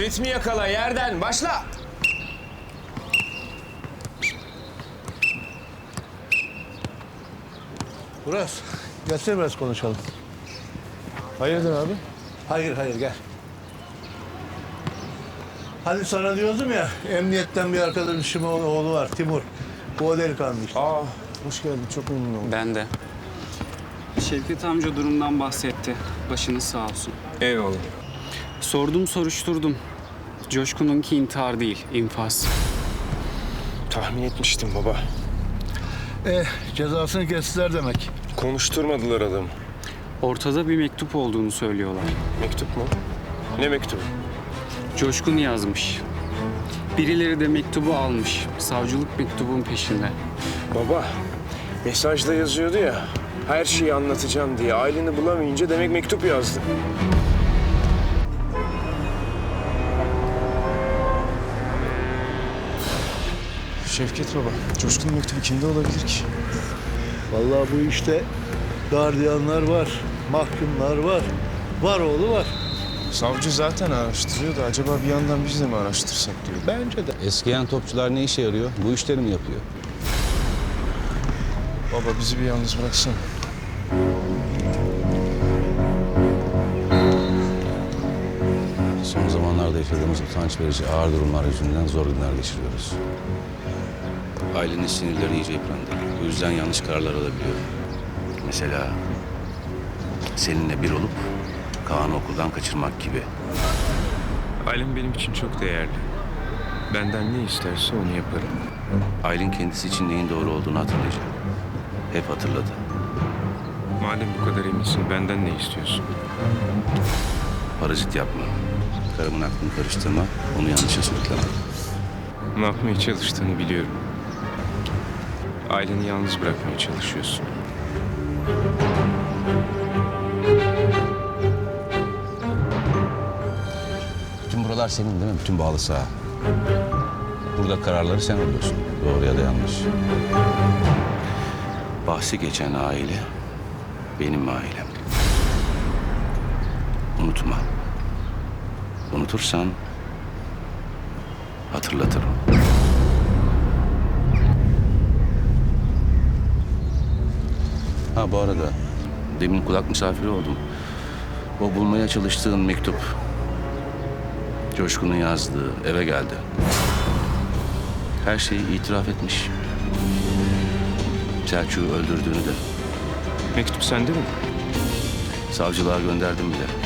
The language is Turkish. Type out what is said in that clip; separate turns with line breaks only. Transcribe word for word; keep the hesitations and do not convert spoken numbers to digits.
ritmi yakala yerden. Başla.
Burak, gelsene biraz konuşalım.
Hayırdır abi?
Hayır, hayır gel. Hani sana diyordum ya, emniyetten bir arkadaşımın oğlu var, Timur. Bu o delikanlı işte.
Aa, hoş geldin. Çok memnun oldum.
Ben de. Şevket amca durumdan bahsetti. Başınız sağ olsun.
Eyvallah.
Sordum, soruşturdum. Coşkun'unki intihar değil, infaz.
Tahmin etmiştim baba.
Eh, cezasını kestiler demek.
Konuşturmadılar adamı.
Ortada bir mektup olduğunu söylüyorlar.
Mektup mu? Ne mektubu?
Coşkun yazmış. Birileri de mektubu almış. Savcılık mektubun peşinde.
Baba, mesajda yazıyordu ya. Her şeyi anlatacağım diye. Aileni bulamayınca demek mektup yazdı. Şevket baba, Coşkun'un mektubu kimde olabilir ki?
Vallahi bu işte gardiyanlar var, mahkumlar var. Var oğlu var.
Savcı zaten araştırıyor da acaba bir yandan biz de mi araştırsak diyor.
Bence de.
Eskiyen topçular ne işe yarıyor? Bu işleri mi yapıyor?
Baba bizi bir yalnız bıraksana.
Son zamanlarda yaşadığımız utanç verici ağır durumlar yüzünden zor günler geçiriyoruz. Ailenin sinirleri iyice yıprandı. Bu yüzden yanlış kararlar alabiliyor. Mesela seninle bir olup Kaan'ı okuldan kaçırmak gibi.
Ailem benim için çok değerli. Benden ne isterse onu yaparım.
Aylin kendisi için neyin doğru olduğunu hatırlayacak. Hep hatırladı.
Madem bu kadar eminsin, benden ne istiyorsun?
Parazit yapma. Karımın aklını karıştırma. Onu yanlışa sürükleme.
Ne yapmaya çalıştığını biliyorum. Aileni yalnız bırakmaya çalışıyorsun.
Bütün buralar senin değil mi? Bütün bağlı saha. Burada kararları sen alıyorsun. Doğru ya da yanlış. Bahsi geçen aile benim ailem. Unutma. Unutursan hatırlatırım. Ha bu arada demin kulak misafiri oldum. O bulmaya çalıştığın mektup Coşkun'un yazdığı eve geldi. Her şeyi itiraf etmiş. Selçuk'u öldürdüğünü de.
Mektup sende mi?
Savcılığa gönderdim bile.